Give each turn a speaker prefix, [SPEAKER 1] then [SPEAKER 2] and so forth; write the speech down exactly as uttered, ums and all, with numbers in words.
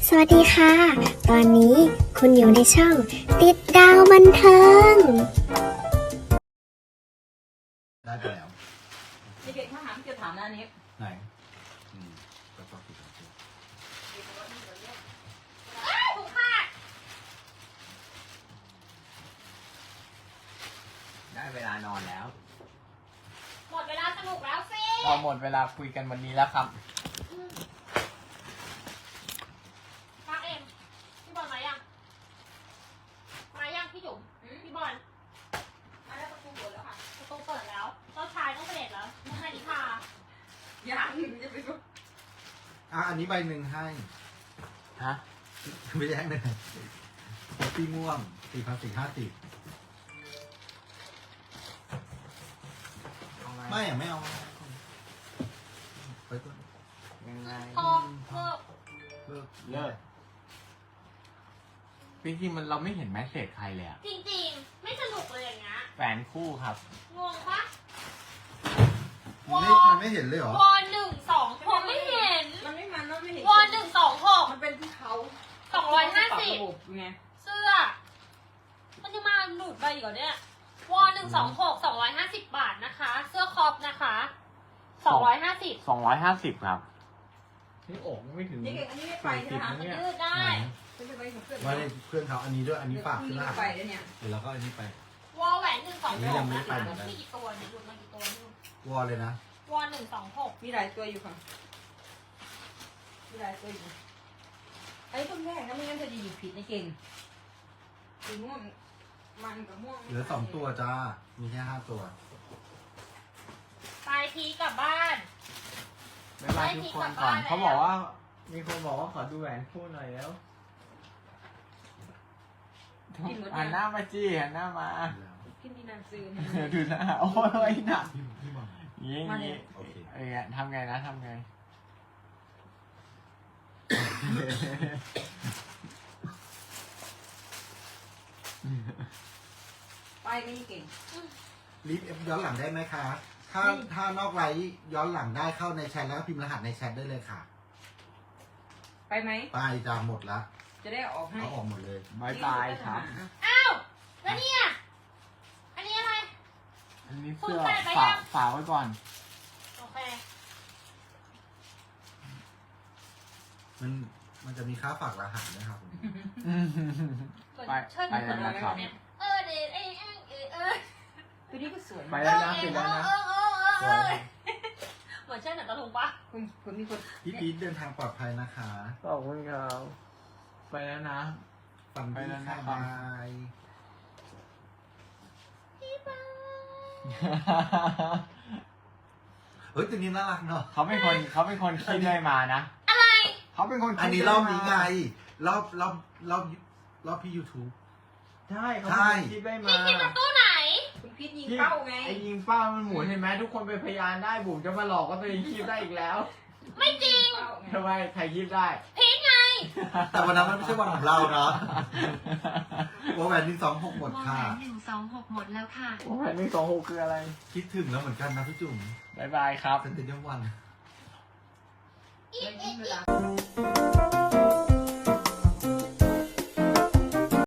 [SPEAKER 1] สวัสดีค่ะ ตอนนี้คุณอยู่ในช่องติดดาวบันเทิง
[SPEAKER 2] ได้ไปแล้ว
[SPEAKER 3] เด็กๆถ้าถามพี่จะถามนะอันนี้
[SPEAKER 2] ไหนอืมก็ต้องติดต่อตัวได้เวลานอนแล้ว
[SPEAKER 3] หมดเวลาสนุกแล้วสิ
[SPEAKER 4] พอหมดเวลาคุยกันวันนี้แล้วครับ
[SPEAKER 3] มาเอ็มพี่บอลมายังมายังพี่จุ๋มพี่บอลมาแล้วประตูเปิดแล้วค่ะประตูเปิดแล้วเจ้าชายต้องเสด็จแล้วมุนานิพายังจะไปดู
[SPEAKER 2] อ่ะอันนี้ใบหนึ่งให้
[SPEAKER 4] ฮะ
[SPEAKER 2] ไม่แย่งเลยพี่ม่วงสี่พันสี่ห้าสิบไม่อ่ะไม่เอาไปตัว
[SPEAKER 4] ยังไง
[SPEAKER 3] พอเลิก
[SPEAKER 2] เลิก
[SPEAKER 4] เลิกจริงๆมันเราไม่เห็นแมสเสจใครเลยอะ
[SPEAKER 3] จริงๆไม่สนุกเลยอย่างเงี้ย
[SPEAKER 4] แฟนคู่ครับ
[SPEAKER 3] งงปะ
[SPEAKER 2] มันไม่มันไม่เห็นเลยเหรอ
[SPEAKER 3] วอหนึ่งสองหกไม่เห็น
[SPEAKER 5] มันไม่มันมันไม่เห็น
[SPEAKER 3] วอหนึ่งสองหก
[SPEAKER 5] มันเป็นที่เขา
[SPEAKER 3] สองร้อยห้าสิบ
[SPEAKER 5] ปรับระบบไง
[SPEAKER 3] เสื้อ มันจะมาหลุดไปอีกเหรอเนี่ยวอหนึ่งสองหกสองร้อยห้าสิบบาทนะคะ เสื้อคอปนะคะสองร้อยห้าสิบ
[SPEAKER 4] สองร้อยห้าสิบครับนี่อกไม่ถึง
[SPEAKER 5] นี่เก่งอันนี้ไม่ไปใช่ไหม
[SPEAKER 3] มันยืดได้
[SPEAKER 5] เป็นจะไปของเพื่อน
[SPEAKER 2] ว่าในเพื่อนเขาอันนี้ด้วยอันนี้ฝากขึ้น
[SPEAKER 5] นี่
[SPEAKER 2] หน้า
[SPEAKER 5] ไปแล้วเนี่ย
[SPEAKER 2] เดี๋ยวเราก็อันนี้ไป
[SPEAKER 3] วอแหวนหนึ่งสอง
[SPEAKER 2] อันนี้
[SPEAKER 3] ห
[SPEAKER 2] ยั
[SPEAKER 3] ก
[SPEAKER 2] งไม่
[SPEAKER 3] นะ
[SPEAKER 2] ไป
[SPEAKER 3] คะ
[SPEAKER 2] เหมือนกัน
[SPEAKER 3] มีกี่ตัวเนี่ยหลุดมากี่ตัวนี่
[SPEAKER 2] วอลเลยนะ
[SPEAKER 3] วอหนึ่งสองหก
[SPEAKER 5] มีหลายตัวอยู่ค่ะมีหลายตัวอยู่ไอ้ต้นแรกนะไม่งั้นจะหยิบผิดในเก่งสีม่วงมันกับม่วง
[SPEAKER 2] เหลือสองตัวจ้ามีแค่ห้าตัว
[SPEAKER 3] ปลายทีกลับบ้าน
[SPEAKER 4] ไม่ไล่ทุกคนก่อนเขาบอกว่า มีคนบอกว่าขอดูแหวนคู่หน่อยแล้วหันหน้ามาจี้หันหน้ามา
[SPEAKER 5] กินดีนันซื้อ
[SPEAKER 4] ดูหน้าโอ้ยหนัก
[SPEAKER 2] พี่พี่บอล
[SPEAKER 4] อย่าง
[SPEAKER 5] มา
[SPEAKER 4] นี้
[SPEAKER 5] เลย
[SPEAKER 2] โอเค
[SPEAKER 4] เอ้ยทำไงนะทำไง
[SPEAKER 5] ไปไม่เก่ง
[SPEAKER 2] รีบเอฟย้อนหลังได้ไหมคะ ถ้าถ้านอกไลฟ์ย้อนหลังได้เข้าในแชทแล้วก็พิมพ์รหัสในแชทได้เลยค่ะ
[SPEAKER 5] ไปไหม
[SPEAKER 2] ไปจ้าหมดละ
[SPEAKER 5] จะได้ออกให้
[SPEAKER 2] เอาออกหมดเลย
[SPEAKER 4] บายบายครับ
[SPEAKER 3] อ้าวแล้วเนี่ยอันนี้อะไร
[SPEAKER 4] อันนี้เสื้อ
[SPEAKER 3] คุณใส่ไป
[SPEAKER 4] ฝา
[SPEAKER 3] ยั
[SPEAKER 4] ก
[SPEAKER 3] ง
[SPEAKER 4] ฝากไว้ก่อน
[SPEAKER 3] โอเค
[SPEAKER 2] มันมันจะมีค่าฝากรหัสนะครับผม
[SPEAKER 4] ไป
[SPEAKER 3] เชิญ
[SPEAKER 4] ไปแล้วนะครับ
[SPEAKER 3] เออเดทเอ้ยเอ้ยเอ้ยเอ้ย
[SPEAKER 5] ตัวนี้ก็สวย
[SPEAKER 4] ไปแล้วนะปิดแล้วนะ
[SPEAKER 3] เออเออเออ
[SPEAKER 4] ส
[SPEAKER 3] เอ
[SPEAKER 4] วย
[SPEAKER 3] อเหมือนเช่นหนังตะลุงปะ
[SPEAKER 5] คุณคุณมีคน
[SPEAKER 2] พี่พีทเดินทางปลอดภัยนะคะ
[SPEAKER 4] ขอบคุณครับไปแล้วนะ
[SPEAKER 2] ฟัน
[SPEAKER 4] ไป
[SPEAKER 2] ดี
[SPEAKER 4] แล้วนะ
[SPEAKER 2] ค่ะ
[SPEAKER 4] ครับ
[SPEAKER 2] บาย
[SPEAKER 3] พี่บ้า
[SPEAKER 2] เฮ้ยตัวนี้น่ารักเนาะ
[SPEAKER 4] เขาเป็นคนเขาเป็นคนคิดเลยมานะ
[SPEAKER 3] อะไร
[SPEAKER 4] เขาเป็นคนคิด
[SPEAKER 2] อันนี้รอบนี้ไงรอบรอบรอบรอบพี่ยูทูบ
[SPEAKER 4] ใช่เขา
[SPEAKER 2] ใช่
[SPEAKER 4] เป็นคนคิดได้มา
[SPEAKER 3] พี่คิดจากตู้ไหน
[SPEAKER 5] คุณพิษยิงเป้าไง
[SPEAKER 4] ไอ้ยิงเป้ามันหมุนเห็นไหมทุกคนเป็นพยานได้บุ๋มจะมาหลอกว่าตัวเองคิดได้อีกแล้ว
[SPEAKER 3] ไม่จริง
[SPEAKER 5] เป้าไง
[SPEAKER 4] ทำไมใครคิดได้
[SPEAKER 3] พีทไง
[SPEAKER 2] แต่วันนั้นมันไม่ใช่วันของเราเนาะวอแหวนหนึ่งสองหกหมดค่ะ
[SPEAKER 1] หนึ่งสองหกหมดแล้วค่ะ
[SPEAKER 4] โอ้ยหนึ่งสองหกคืออะไร
[SPEAKER 2] คิดถึงแล้วเหมือนกันนะพี่จุ๋ม
[SPEAKER 4] บายบายครับ
[SPEAKER 2] เซนเตอร์เดียมวัน
[SPEAKER 5] ไม่ทิ้งเวลา